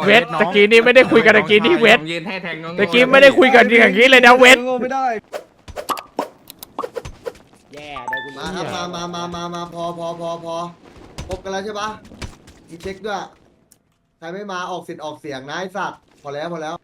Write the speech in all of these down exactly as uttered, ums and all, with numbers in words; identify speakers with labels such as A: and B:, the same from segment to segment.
A: เวทตะกี้นี้ไม่ได้คุยกันตะกี้นี้เวทตะกี้ไม่ได้คุยกันอย่างนี้เลยนะเวท
B: ไม่ได้
C: แย่เดี๋ยวกู
B: มาครับมามามามามาพอพอพอพอพบกันแล้วใช่ปะมีเช็คด้วยใครไม่มาออกสิทธิ์ออกเสียงนะไอ้สัตว์พอแล้วพอแล้ว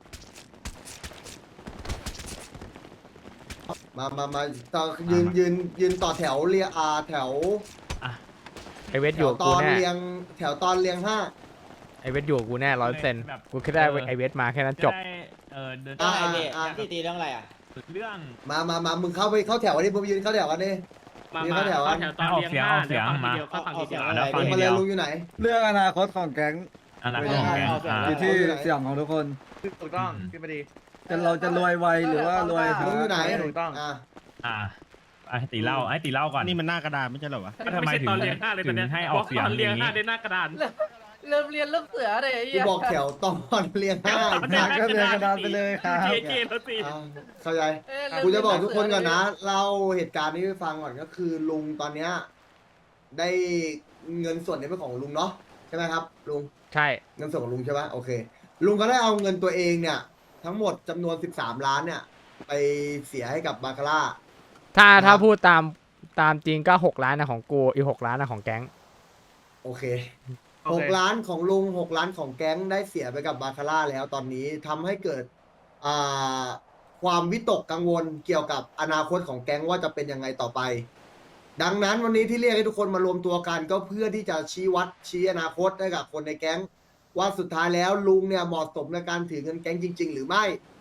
B: มามามาต่อยืนยืนยืนต่อแถวเรียอาแถว
A: ไอเวท
B: แถ
A: อยู่
B: วต
A: กู
B: อน
A: แน่
B: เรียงแถวตอนเรียงห้า
A: ไอเวทอยู่กูแน่ร้อยเปอร์เซ็นต์กูแค่ได้ไอเวทมาแค่นั้นจบ
D: เออเดิน
B: อ่า
C: ไอ้เนี่ย
B: อ่า
C: ที่ตีเรื่องอะไรอ่ะ
D: เรื่อง
B: มามามามึงเข้าไปเข้าแถวอันนี้มึงยืนเข้าแถวกันดิ
E: มา
B: ยืน
E: มา
B: เข้าแถว
E: เข้า
B: กัน
E: แถวตอนเรียงห้าเดี๋ยวฟังทีเดียวก็ฟังทีเดียว
D: แล้วฟัง
B: ลุง
D: ที
B: มาเล
D: เดี
B: ย
D: ยว
B: ลุงอยู่ไหน
F: เรื่องอนาคตของแก๊ง
D: อนาคตของแกอ่า
F: อยู่ที่เสียงของทุกคน
G: ถูกต้องขึ้นมาดี
F: จะเราจะรวยไวหรือว่ารวย
B: ลุงอยู่ไหน
G: ถูกต้อง
B: อ่ะ
D: อ่าให้ตีเล่าให้ตีเล่าก่อน
H: นี่มันหน้ากระดาษไม่ใช่เหรอวะ
D: ทำไมถึง
E: ตอนเรียงห้าเลย
D: ถึ
E: ตอน
D: ง
E: เนี้ย
D: ให้ออกเสียง
E: ตอน
D: อ
E: เรียง
D: ย่าง
E: ห้า
D: นี้
E: ได้หน้ากระดาน
I: เริ่มเรียนเริ่มเสือเลยไอ้
B: กู
I: เหี้ย
B: บอกแถวตอนเรียงห้า
F: ก็เรียนกระดาษไปเลยครับ
E: เจเจแล้วสิ
B: อ่ะเข้าใจ
I: เอ้ยเริ่ม
B: กูจะบอกทุกคน
I: เรี
B: ก่อน
I: เสื
B: นะเล่าเหตุการณ์นี้ให้ฟังก่อนก็คือลุงตอนเนี้ยได้เงินส่วนนี้เป็นของลุงเนาะใช่ไหมครับลุง
A: ใช่
B: เงินส่วนของลุงใช่ไหมโอเค ลุงก็ได้เอาเงินตัวเองเนี่ย ทั้งหมดจำนวนสิบสามล้านเนี่ย ไปเสียให้กับบาคาร่า
A: ถ้า
B: ครับ
A: ถ้าพูดตามตามจริงก็หกล้านนะของกูอีกหกล้านนะของแก๊ง
B: โอเค
E: โอ
B: ห
E: เค
B: กล้านของลุงหกล้านของแก๊งได้เสียไปกับบาคาร่าแล้วตอนนี้ทำให้เกิดอ่าความวิตกกังวลเกี่ยวกับอนาคตของแก๊งว่าจะเป็นยังไงต่อไป ดังนั้นวันนี้ที่เรียกให้ทุกคนมารวมตัวกันก็เพื่อที่จะชี้วัดชี้อนาคตให้กับคนในแก๊งว่าสุดท้ายแล้วลุงเนี่ยเหมาะสมในการถือเงินแก๊งจริง ๆ หรือไม่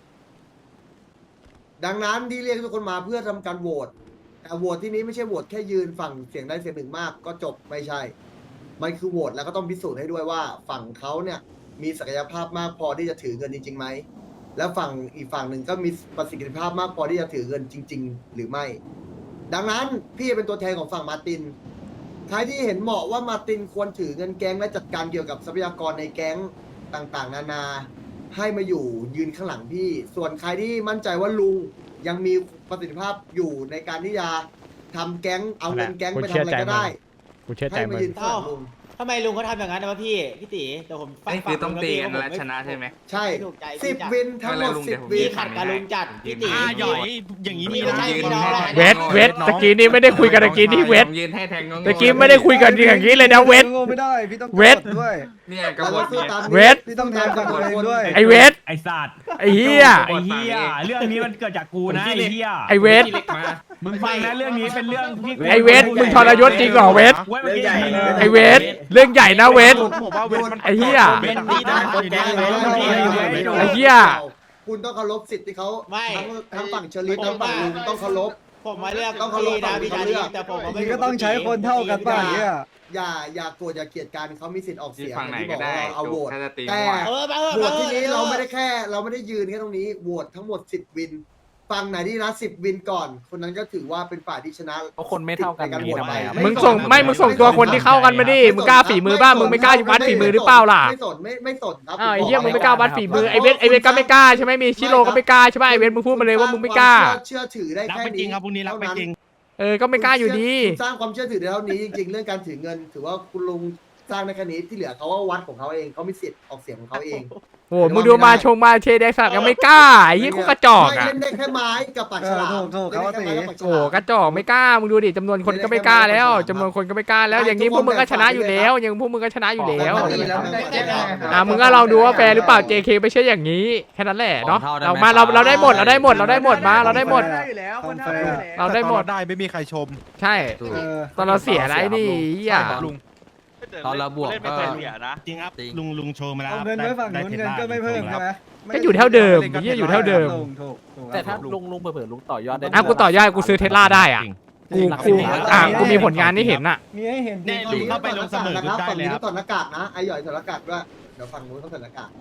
B: ดังนั้นที่เรียกทุกคนมาเพื่อทำการโหวตแต่โหวตที่นี้ไม่ใช่โหวตแค่ยืนฝั่งเสียงได้เสียงหนึ่งมากก็จบไม่ใช่ มันคือโหวตแล้วก็ต้องพิสูจน์ให้ด้วยว่าฝั่งเขาเนี่ยมีศักยภาพมากพอที่จะถือเงินจริงๆไหมแล้วฝั่งอีกฝั่งหนึ่งก็มีประสิทธิภาพมากพอที่จะถือเงินจริง ๆ หรือไม่ ดังนั้นพี่เป็นตัวแทนของฝั่งมาร์ตินใครที่เห็นเหมาะว่ามาร์ตินควรถือเงินแก๊งและจัดการเกี่ยวกับทรัพยากรในแก๊งต่างๆ นานา ให้มาอยู่ยืนข้างหลังพี่ ส่วนใครที่มั่นใจว่าลุงยังมีประสิทธิภาพอยู่ในการที่จะทำแก๊งเอาเงินแก๊งไปทำอะไรก็ได้
A: กูเชื่อใจ
B: ให้
A: มึ
B: มาง ยืนข้างหลังลุง
C: ทำไมลุงเขาทำอย่างนั้นนะวะพี่พี่ตีเดี๋ยวผมฟัง
G: นี่คือต้องตีกันแล้วชนะใช่ไหม
B: ใช่
C: ถูกใจ
B: สิบ
C: จัด
B: วินทั้งหมด
G: ไม่ลุง
B: สิ
G: เดี๋
B: บ
G: ยวผม
B: วิ
C: พี่
B: น
C: ขัดกับลุงจัดพี่ตี
H: อ่าหย่อยอย่างนี้มี
C: ไม่
H: นะ
C: ใช่
G: ยืน
C: ไม่ได้
G: ให้
A: เวทเวทตะกี้นี้ไม่ได้คุยกันตะกี้นี้เวท
G: ยืนให้แทงงง
A: ตะกี้ไม่ได้คุยกันอย่างนี้เลยนะเวท
F: โง่ไม่ได้พี่ต้อง
A: เวท
F: กดด้วย
G: เนี่ยก
B: เรา
G: บ
B: ต้องสู้ตามนี้
A: เวท
F: พี่ต้องแทนกับตัวเองด้วย
A: ไอเวท
D: ไอสัตว์
A: ไอเฮีย
D: ไอเฮียเรื่องนี้มันเกิดจากกูนะไอเฮีย
A: ไอเวท
D: มึงฟังนะเรื่องนี้เป็นเรื่องที่
A: ไอเวทมึงทรยศจริงเหรอเวท
D: เว้ยเมื่อกี้
A: ไอเวทเรื่องใหญ่นะเวท
E: ผมว่าเวทมัน
A: ไอ้เหี้ย
E: เป็นดีนะคนแดงเลย
A: ไอ้เหี้ย
B: คุณต้องเคารพสิทธิ์ที่เขา
C: ไม่
B: ทั้งทั้งฝั่งเชอรี่ทั้งฝั่งลุงต้องเคารพ
C: ผมมาเลือก
B: ต้องเคารพ
C: พี่นะพี่
B: ต้
C: ชา
B: องเคารพ
C: ลีแต่ผมไม่
F: นี่ก็ต้องใช้คนเท่ากันป่ะเนี่ย
B: อย่าอย่าโกรธอย่าเกลียดกันเขามีสิทธิ์ออก
G: ที่
B: เสียง
G: ฝั่งไหน
B: ที่บ
G: ก็
B: อก
G: ได้
B: ว่าเอาโหวต
G: ถ้าจะตี
B: แต่
G: มั่ว
C: เออมาเออ
B: โหว
C: มา
B: ต
C: เออ
B: ที่นี้เราไม่ได้แค่เราไม่ได้ยืนแค่ตรงนี้โหวตทั้งหมดสิบวินฝั่งไหนที่นะสิบวินก่อน คนนั้นก็ถือว่าเป็นฝ่ายที่ชนะ
G: เพราะคนไม่เท่ากัน
B: ในการโหวตไป
A: มึงส่งไม่มึงส่งตัวคนที่เข้ากันมาดิมึงกล้าฝีมือบ้างมึงไม่กล้าวัดฝีมือหรือเปล่าล่ะ
B: ไม่สนไม่ไม่สนครับ
A: อ้าวไอ้เหี้ยมึงไม่กล้าวัดฝีมือไอเวทไอเวทก็ไม่กล้าใช่ไหมมีชิโร่ก็ไม่กล้าใช่ไหมไอเวทมึงพูดมาเลยว่ามึงไม่กล้า
B: เชื่อถือได้
H: รัก
B: แค่
H: ไม่จริ
B: นี้
H: งครับพรุ่งนี้รักไม่จริง
A: เออก็ไม่กล้าอยู่ดี
B: คุณสร้างความเชื่อถือได้เท่านี้จริงๆเรื่องการถือเงิน ถือว่าคุณลุงสร้างในแค่นี้ที่เหลือเขาว่าวัดของเขาเองเขามีสิทธิ์ออกเสียงของเขาเอง
A: โอ้มึงดูมาชงมาเชแดกสักยังไม่กล้าไอ้ยี่กูกระจอก
B: ไม่
A: อ่ะ
B: เล่นได้แค่ไม้กับปากฉลาม
F: เออถูกๆเขาว่าตี
B: ล่นได้แค่ไม้กับปากฉ
A: โอ้
B: ลาม
A: กระจอกไม่กล้ามึงดูดิจำนวนคนก็ไม่กล้าแล้วจำนวนคนก็ไม่กล้าแล้วอย่างนี้พวกมึงก็ชนะอยู่แล้วอย่างพวกมึงก็ชนะอยู่แล้ว อ่ะมึงก็ลองดูว่าแฟร์หรือเปล่า เจ เค ไม่ใช่อย่างนี้แค่นั้นแหละเนาะเรามาเราเราได้หมดเราได้หมดเราได้หมดมาเราได้หมด
F: ได้อยู่แล้วคนเท่ากันอยู่แล้ว
A: เราได้หมด
H: ได้ไม่มีใครชม
A: ใช่
F: เออ
A: ตอนเราเสียอะไรนี่เหี้ย
H: ลุง
G: ตอนเราบวกก็
H: จริงครับลุงลุงโชว์มาแล้ว
F: เอาเงินไว้ฝั่งนู้นเงินก็ไม่เพิ่มใช่ไหม
A: ก็อยู่เท่าเดิมเหี้ยอยู่เท่าเดิม
F: ถูกถูกถูก
G: แต่ถ้าลุงลุงเผื่อลุงต่อยอดได้
A: อ่ะกูต่อยอดกูซื้อเทสลาได้อ่ะกูกูอ่ะกูมีผลงานที่เห็นอ่ะ
F: มีให้เห็น
H: เนี่ยลุงเข้าไปลงเสมอ
B: นะครับ
H: ได้
B: ฝั่ง
H: เล
B: นี้
H: ยค
B: ต้
H: รั
B: อบ งถอดหน้ากากนะไอ้หย่อยถอดหน้ากากด้วยเดี๋ยวฝั่งนู้นต้องถอดหน้ากาก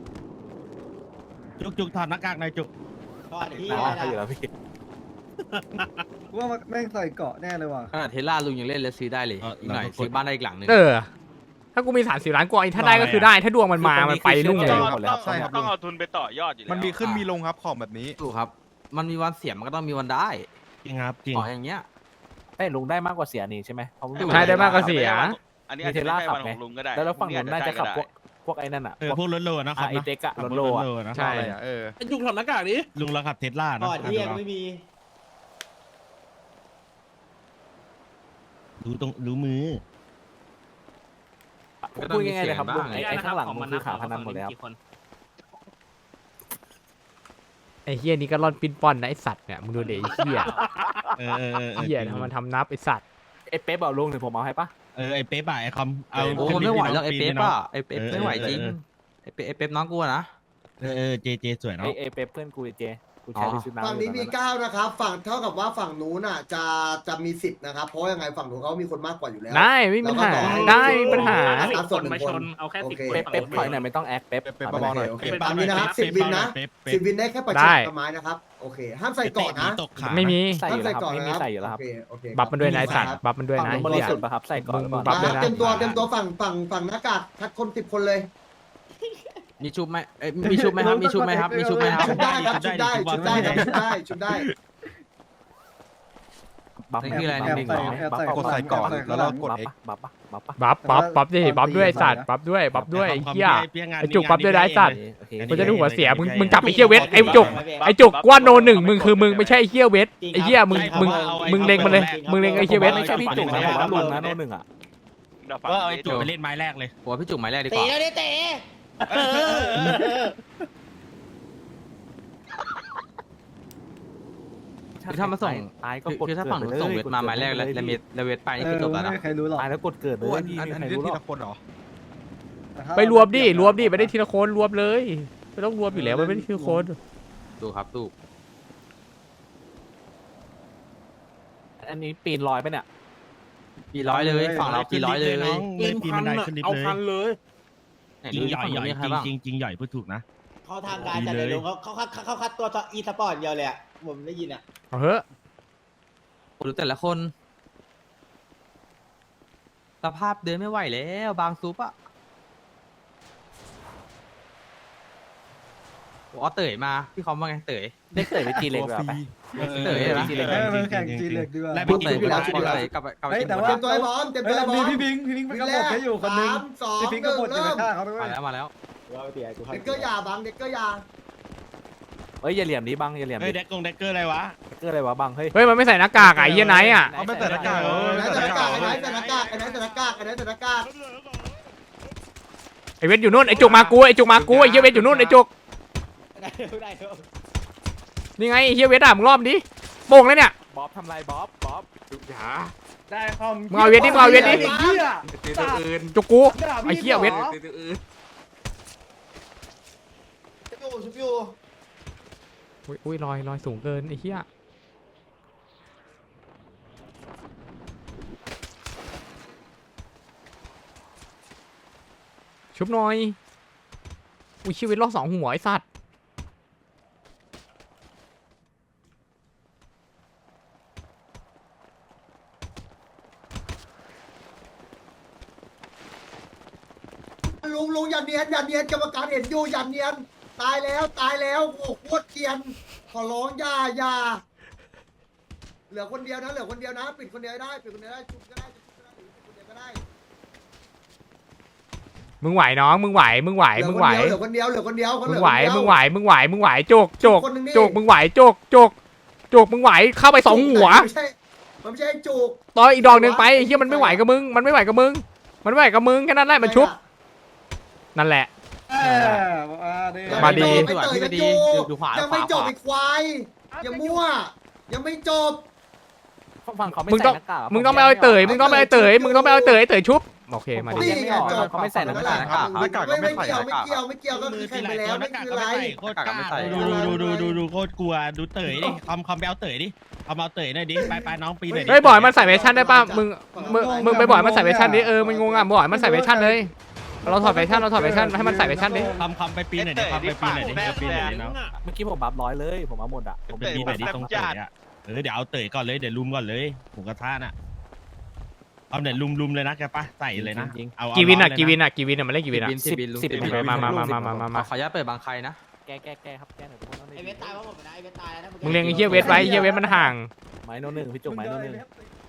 H: จุกจุกถอดหน้ากากหน่อยจุก
C: ก่อนที่
G: อ๋ออยู่แล้วพี่
F: ว่าแม่งใส่เกาะแน่เลยว่ะ
G: ขนาดเทสลาลุงยังเล่นแล้วซื้อได้เลยอีกหน่อยซื้อบ้านได้อีกหลังนึง
A: เออ ถ้ากูมีสามสิบล้านกว่าถ้าได้ก็คือได้ ถ้าดวงมันมา มันไปรุ่งเลย
G: ใช่ครับ
E: ต้องเอาทุนไปต่อยอดอยู่แล้ว
H: มันมีขึ้นมีลงครับของแบบนี้
G: ถูกครับ มันมีวันเสียมันก็ต้องมีวันได้
H: จริงครับจริง
G: ขออย่างเงี้ยไอ้ลุงได้มากกว่าเสียนี่ใช่ไหม
A: ใช่ได้มากกว่าเสีย
E: อันนี้อาจจะไม่ใช่วันของลุงก็ได้
G: แล้วฝั่งนู้นน่าจะขับพวกพวกไอ้นั่นอ่ะ
H: เออพวกรถโลนะครับ
G: ไอเด็กอะรถโลอะ
H: นะ
A: ใช่
H: เออ
G: จุกถอดหน้ากากดิ
H: ลุงเราขับเทสลา
C: ก่
H: นะ
C: อนเที่ยงไม่มี
H: ดูตรงดูมือ
G: พูดง่ายๆเลยครับลุงไอ้ไอ้ข้างหลังมันคือขาพนันหมดแล้ว
A: ไอ้เฮียนี่ก็ร่อนปิ้นป้อนนะไอ้สัตว์เนี่ยมึงดูเดี๋ยวไอ้เฮีย
H: เออเออเออ
A: เฮียทำมันทำนับไอ้สัตว์
G: ไอ้เป๊ปเอาลุงเดี๋ยวผมเอาให้ปะ
H: เออไอเป๊ปอะไอคำเอา
G: โอ้ไม่ไหวแล้วไอ้เป๊ปอะไอ้เป๊ป
H: เออ
G: ไม่ไหวจริง
H: เออ
G: ไอ้เป๊ปไอ้เป๊ปน้องกูอะนะ
H: เออเออเจเจสวย
G: ไอ้
H: เนาะ
G: ไอ้เป๊ปเพื่อนกูไอ้เจกูใช้ที่ซื้อน้ำ
B: ฝั่งนี้มีเก้านะครับฝั่งเท่ากับว่าฝั่งนู้นอ่ะจะจะมีสิบนะครับเพราะยังไงฝั่งนู้นเขามีคนมากกว่าอยู่แล้ว
A: ได้ไม่มีปัญหาได้ไม่มีปัญหา
B: สิบคนมาชนเอาแค่สิบคน
G: เป๊ปเป๊ปถอยหน่อยไม่ต้องแอคเป๊ป
H: เป๊ปเบาๆหน่อย
B: โอเคตามนี้นะครับสิบวินนะ
H: เป๊ปเป๊
B: สิ
H: ป
B: บวินได้แค่ประ
A: ได้
B: ชิดต้นไม้นะครับโอเคห้ามใส่เกาะนะ
H: ตกขา
A: ไม่มี
G: ใส่อยู่แล้วครับ
B: ห้าม
G: ไม่มีใส่อยู่แล้วครับ
B: โอเคโอเค
A: บัฟมันด้วยนะไอ้สัตว์บัฟมันด้วย
G: ฝั่ง
A: นะ
G: นู้นบ
A: ไอ้
G: ริ
A: เฮีย
G: สุทธิ์ป่ะครับใส่ก่อน
A: มึง
G: ก่อน
A: บัฟด้วย
B: เต็มตัวเต็มตัวฝั่งฝั่งฝั่งหน้ากากทัดคนสิบคนเลย
G: มีชุบไหมเอ้ยมีชุบไหมครับมีชุบไหมครับมีชุบไหมครับ
B: ชุดได้ครับชุดได้ชุดได้ครับชุดได้ชุดได้
G: บัฟนี่คืออะไร
F: แอบ
G: นิ่ง
F: ใส่
G: ๆเหรอ
F: แอบ
G: บัฟ
F: ใส่
H: กดใส่ก่อนแล้วเรากด
G: บัฟ
H: X
G: ปะบัฟปะบัฟปะ
A: บัฟบัฟบัฟดิบัฟด้วยไอ้สัตว์บัฟด้วยบัฟด้วยไอ้เฮีย ไอ้จุกบัฟด้วยนะไอ้สัตว์
G: โอเค
A: มันจะดูหัวเสียมึงมึงจับไอ้เฮียเวทไอ้จุกไอ้จุกกว่าโนหนึ่งมึงคือมึงไม่ใช่ไอ้เฮียเวทไอ้เฮียมึงมึงมึงเล็งมันเลยมึงเล็งไอ้เฮียเวท
G: ไม่ใช่พี่จุกนะผมว่าลุงนะโน่นหนึ่งอ่ะ
H: ก็เอาไอจุกไปเล่นไม้แรกเลย
G: ผมว่าพี่จุกหมายแรกดีก
C: ตี
G: ว่า
C: แล้วดิเตะ
G: คือถ้ามาส่ง
F: ตายก็
G: คือก
F: ด
G: คือถ้าฝั่งหนูส่งเวทมาหมายแรกแล้วแล้วเวทแล้วเวทไปนี่คือจบแล้ว
F: ไม่
G: นะ
F: มีใครรู้หรอก
G: ตายแล้วกดเกิดเลย
H: อัน
G: พี่
H: อัน
G: ไม่
H: อัน
G: ใคร
H: นี้
G: รู้หร
H: ที
G: อก
H: ละคนเหรอ
A: ไปรวมดิรวมดิไม่ได้ทีละคนรวมเลยไม่ต้องรวมอยู่แล้วมันไม่ได้ทีละคน
G: ดูครับดูอันนี้ปีนลอยไปเนี่ยปีร้อยเลยฝั่งเราปีร้อยเลย
H: น้องเลยปีนบันไดขึ้นลิฟต์เลย
G: ไหน
H: จริ
G: ดู
H: งใหญ่
G: ฝั่ง
H: ให
G: นู้
H: ญ่
G: นมีใครบ้าง
H: จริงจริงใหญ่พูดถูกนะ
C: เขาทางการจัดเลยลุงเขาเขาเขาเขาคัดตัวอีสปอร์ตเดียวเลยอ่ะผมได้ยินอ่ะ
A: เอาเถอะ
G: ดูแต่ละคนสภาพเดินไม่ไหวแล้วบางซุปอะอ๋อเต๋ยมาพี่คอมว่าไงเต๋ยเด็กเต๋ยไปจีเล็กแบบไป เต๋ยนะ
F: เออมันแข่งจีเล็กดีกว่า
H: และ
G: พู
H: พี่
G: ด
H: กิ
G: เต๋
H: น
G: ย
H: อยู่
G: ไป
H: แล้ว
G: เต๋ยกลับไปกลับไป
F: เฮ้ย
G: เก็บ
F: แต่
G: หมด
F: ว่า
B: เตรียมตัวให้พร้อมเตรียม
F: เฮ้
B: ตัวย ให้พร้อ
F: มี
B: ม
F: พี่พิงค์พี่พิงค์มันก็หมดให้อยู่คนนึง
B: สามสอง
F: พี่พิงค์ก็หมดอยู่ในฆ่าเขาไป
G: มา
F: เว้ย
G: แล้วมาแล้ว
C: ว่าไปเตะกู
B: เด็กเกอร์ยาบังเด็กเกอร์ยา
G: เฮ้ยอย่าเหลี่ยมนี้บังอย่าเหลี่ยม
H: เฮ้ย
G: นี้
H: แดกกงแดกเกอร์อะไรวะ
G: เกิดอะไรวะบังเฮ้ย
A: เฮ้ยมันไม่ใส่หน้ากากอ่ะไอ้เฮียไนท์อ่ะ
H: เอาไม่ใส่หน้ากากเออ
B: ไอ้ไหนใส่หน้ากากไอ้ไหนใส่หน้ากากไอ้ไหนใส่หน้ากากไอ้ไหนใส่หน้ากาก
A: ไอ้เวทอยู่นู่นไอ้จุกมากูไอ้จุกมากูไอ้เฮียเวทอยู่นู่นไอ้จุก
C: ได้ได้
A: นี่ไงไอ้เฮียเวทอ่ะมึงรอบดิโป่งเลยเนี่ย
G: บ๊อบทำไรบ๊อบบ๊อบ
A: อย่า
F: ได้คอม
A: มึงเอาเวทดิมึงเอาเวทดิ
F: ไอ้เหี้ย
G: ตีตัวอื่น
A: จุกกู
F: ด่าพี่
A: ไอ้เหี้ยเวท
F: หรอ
G: ตีตัวอื่น
B: อยู่ชุบอยู่
A: อุ้ยอุ้ยลอยลอยสูงเกินไอ้เฮียชุบหน่อยอุ้ยชีวิตรอบสองหัวไอ้สัตว์
B: ลุงลุงอย่าเนียนอย่าเนียนกรรมการเห็นอยู่อย่าเนียนตายแล้วตายแล้วโอ้โหโคตรเกรียนขอร้องอย่าอย่าเหลือคนเดียวนะเหลือคนเดียวนะปิดคนเดียวได้ปิดคนเดียวได้ชุบก็ได้ชุบก็ได้หรือปิดคนเดียวก็ได้
A: มึงไหวน้องมึงไหวมึงไหวมึงไหว
B: เหลือคนเดียวเหลือคนเดียวเหลือคน
A: มึ
B: เดี
A: ง
B: ยว
A: ไหวมึงไหวมึงไหวมึงไหวโจกโจก
B: คนหนึ่งนี่
A: โจกมึงไหวโจกโจกโจกมึงไหวเข้าไปสองหัว
B: ไม่ใช่มันไม่ใช่จุก
A: ต่ออีกดอกหนึ่งไปไอ้เฮียมันไม่ไหวกับมึงมันไม่ไหวกับมึงมันไม่ไหวกับมึงแค่นั้นแหละมันชุบนั่นแหละ
F: เออมาดิ
A: มาดี
B: ไม่เตยกันจุกยังไม่จบอีกควายอย่ามั่วยังไม่จบ
G: ฝั่งเขาไม่
A: มึง
G: ใส่
A: ต้อง
G: หน้ากาก
A: มึงต้องไปเอาไอ้เต๋ยมึงต้องไปเอาไอ้เต๋ยมึงต้องไปเอาไอ้เต๋ยไอ้เต๋ยชุบโอเคมาดิ
B: นี่ไงจบ
G: เขาไม่ใส่หน้ากาก
B: ไม่ไม่เกี่ยวไม่เกี่ยวไม่เกี่ยวก็คือแข่งไปแล้วไม่คือไร
H: โคตรกล้าดูดูดูดูดูโคตรกลัวดูเต๋ยดิคอมคอมไปเอาเต๋ยดิเอามาเอาเต๋ยหน่อยดิไปไปน้องปีหน่อยดิ
A: เฮ้ยบ่อยมันใส่เวชั่นได้ป่ะมึงมึงมึงไปบ่อยมันใส่เวชั่นดิเออมันงงอ่ะบ่อยมันใส่เวชั่นเลยเราถอดเวชั่นเราถอดเวชั่นให้มันใส่เวชั่นดิ
H: คอมคอมไปปีหน่อยดิคอมไปปีหน่อยดิเอาปีหน่อยดิน้อง
G: เมื่อกี้ผมบัฟร้อยเลยผมเอาหมดอ่ะ
H: ไปปีหน่อยดิตรงเต๋ยอ่ะเออเดี๋ยวเอาเต๋ยก่อนเลยเดี๋ยวลุมก่อนเลยผมกระท่าน่ะเอาเดี๋ยวลุมลุมเลยนะแกปะใส่เลยนะเอา
A: กีวินอ่ะ
H: เาเลย
A: กีวินอ่ะกีวินอ่ะมันเล่นกีวินอ่ะ
G: สิบสิบ
A: มามามามามามามา
G: ขออนุญาตเปิดบางใครนะแกแกแกครับแกหน่อยทุกคน
C: ไอเวทตายว่าผมนะไอเวทตายนะ
A: มึงเลี้ยงไอ้เฮียเวทไว้ไอ้เฮียเวทมันห่าง
G: ไม้โนหนึ่งพี่จุกไม้โนหนึ่ง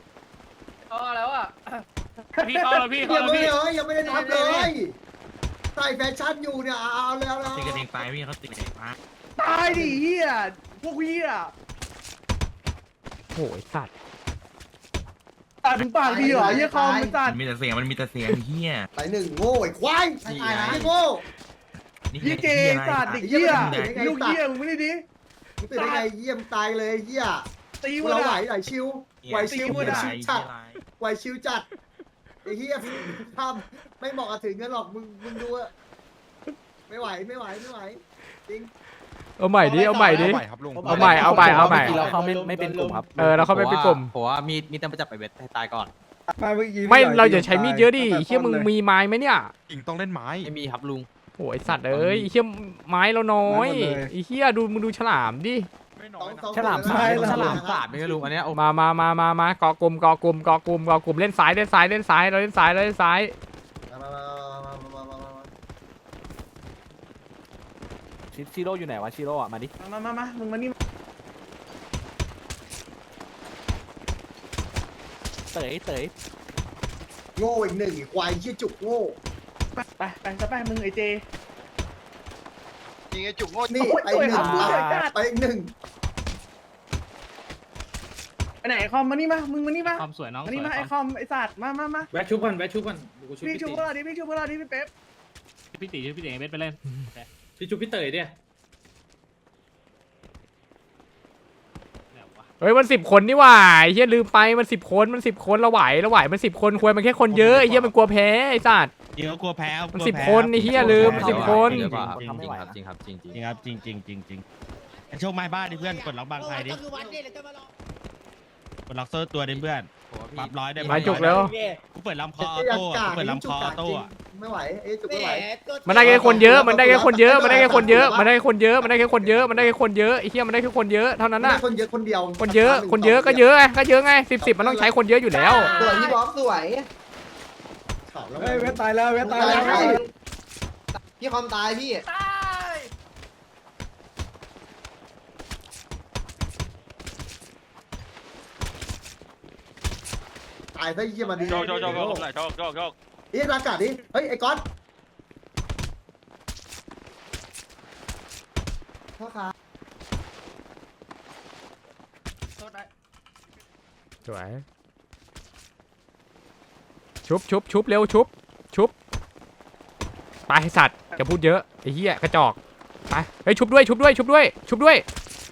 I: พอแล้วอ่ะ
E: พี่เข้าแล้วพี่
B: ยั
E: เข้าง แล้ว
B: ไม่
E: พี่
B: เลยยังไม่ได้ทำเลยใส่แฟชั่นอยู่เนี่ยเอาเอาเลยเอาเลย
H: ตีกันเองตายพี่เขาตีกันเองตาย
F: ตายดิเฮียพวกเฮีย
A: โอ้ยสัตว์
F: ตัดถึงปากดีเหรอเฮียคอมมันตัด
H: มันมีแต่เสียงมันมีแต่เสียงเฮีย
B: ใส่หนึ่งโง่ไอ้ควายไอ้โง่
F: เฮียเจตัดเด็กเฮียลูกเฮียมึงไม่ได้ดิ
B: มึงตื่นได้ไงเยี่ยมตายเลยเฮีย
F: ตี
B: กู
F: มัน
B: เราไหว
F: อ่ะ
B: ไหวชิวไหวชิวไหวชิวจัดไหวชิวจัดไอ้เฮียทำไม่เหมาะกับถึงเงินหรอกมึงมึงดูอะไม่ไหวไม่ไหวไม่ไหวจริง
A: เอาใหม่ดิเอาใหม่ดิ
C: ครับลุง
A: เอาใหม่เอาใหม่เอาใหม่
G: เราเขาไม่ไม่เป็นกลุ่มครับ
A: เออเราเข้าไปเป็นกลุ่ม
G: ผมว่ามีมีแต่มาจับไปเวทให้ตายก่อน
F: มาเมื่อกี้
A: ไม่เราอย่าใช้มีดเยอะดิเฮียมึงมีไม้ไหมเนี่ย
H: อิงต้องเล่นไม้
G: ไม่มีครับลุง
A: โอ้ยสัตว์เอ้ยไอ้เฮียไม้เราน้อยไอ้เฮียดูมึงดูฉลามดิ
B: สองสอง
G: ฉลาม
B: คน
G: สาด
B: เลยนะ
G: ฉลามสาดไม่ใช่ลุงอันเนี้ยโอ้
A: มามามามามาเกาะกลุ่มเกาะกลุ่มเกาะกลุ่มเกาะกลุ่มเล่นซ้ายเล่นซ้ายเล่นซ้ายเราเล่นซ้ายเราเล่นซ้าย
B: มามามามามามามามา
G: ชิชิโร่อยู่ไหนวะชิโร่อะมาดิ
F: มามามามึงมานี่
G: เต๋ยเต๋ย
B: โง่อีกหนึ่งอีกควายเชี่ยจุกโง่
F: ไปไปไปจะไปมึงไอเจ
E: ยิงไอ้จุกโง่
B: นี่ไปหนึ่งไปอีกหนึ่ง
F: ไปไหนไอคอมมานี่มามึงมานี่มา
G: ความสวยน้อง
F: มานี่มาไอคอมไอสัตว์มามามา
J: แวะชุบก่อนแวะชุบก่อนกูชุบ
F: พี่
J: พี่
F: ชู
J: ตี
F: พวกเราดิพี่ชูพวกเราดิพี่เป๊ป
G: พี่ตีพี่ตีเวทไปเล่น
J: พี่ชุบพี่เต๋ยเนี่ย
A: เฮ้ยมันสิบคนนี่หว่าไอ้เฮียลืมไปมันสิบคนมันสิบคนเราไหวเราไหวมันสิบคนควรมันแค่คนเยอะไอ้เฮียมันกลัวแพ้ไอ้สัตว์
H: เดี๋ยวกลัวแพ้
A: มันสิบคนไอ้เหี้ยลืมสิบคน
H: จริง
G: ทำไม่ไหวจริงครับจริงจริง
H: จริงครับจริงจริงจริงจริงโชคไม้บ้านดิเพื่อนกดล็อกบางใครดิกดล็อกโซ่ตัวดิเพื่อนปรับร้อยได้
A: มาจุกแล้ว
H: กูเปิดลำคอออ
B: ไอ้ยั
H: โต้
B: กษ์กาก
H: กูเปิดลำคอออโต้
B: จริง
H: อะ
B: ไม่ไหวไอ้จุกไม่ไหว
A: มันได้แค่คนเยอะมันได้แค่คนเยอะมันได้แค่คนเยอะมันได้แค่คนเยอะมันได้แค่คนเยอะมันได้แค่คนเยอะไอ้เหี้ยมันได้แค่คนเยอะเท่านั้น
B: ไม่
A: น่ะ
B: ได้คนเยอะคนเดียว
A: คนเยอะคนเยอะก็เยอะไงก็เยอะไงสิบสิบมันต้องใช้คนเยอะอยู่แล้ว
C: สวยพี่บ๊อบสวย
B: ข่าวแล้ว
F: เฮ้ยเวทตายแล้วเวทตายแล้ว
C: พี่คอมตายพี่
I: ตาย
B: ตายซะเยี่ยมาดี
E: โชคโชคโชคโชคโชคโชคโชค
B: เฮ้ยอากาศดิเฮ้ยไอ้ก๊อตพ่อค้า
A: สวยชุบชุบชุบเร็วชุบชุบไปไอ้สัตว์จะพูดเยอะไอ้เหี้ยกระจอกไปเฮ้ยชุบด้วยชุบด้วยชุบด้วยชุบด้วย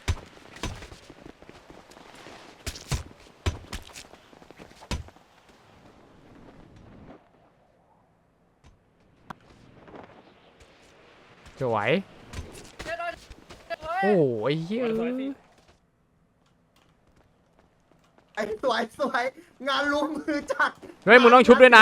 A: สวยโอ้โหไอ้เหี้ย
B: ไอ้สวยสวยงานลุมมือจัด
A: เฮ้ยมึงต้องชุบด้วยนะ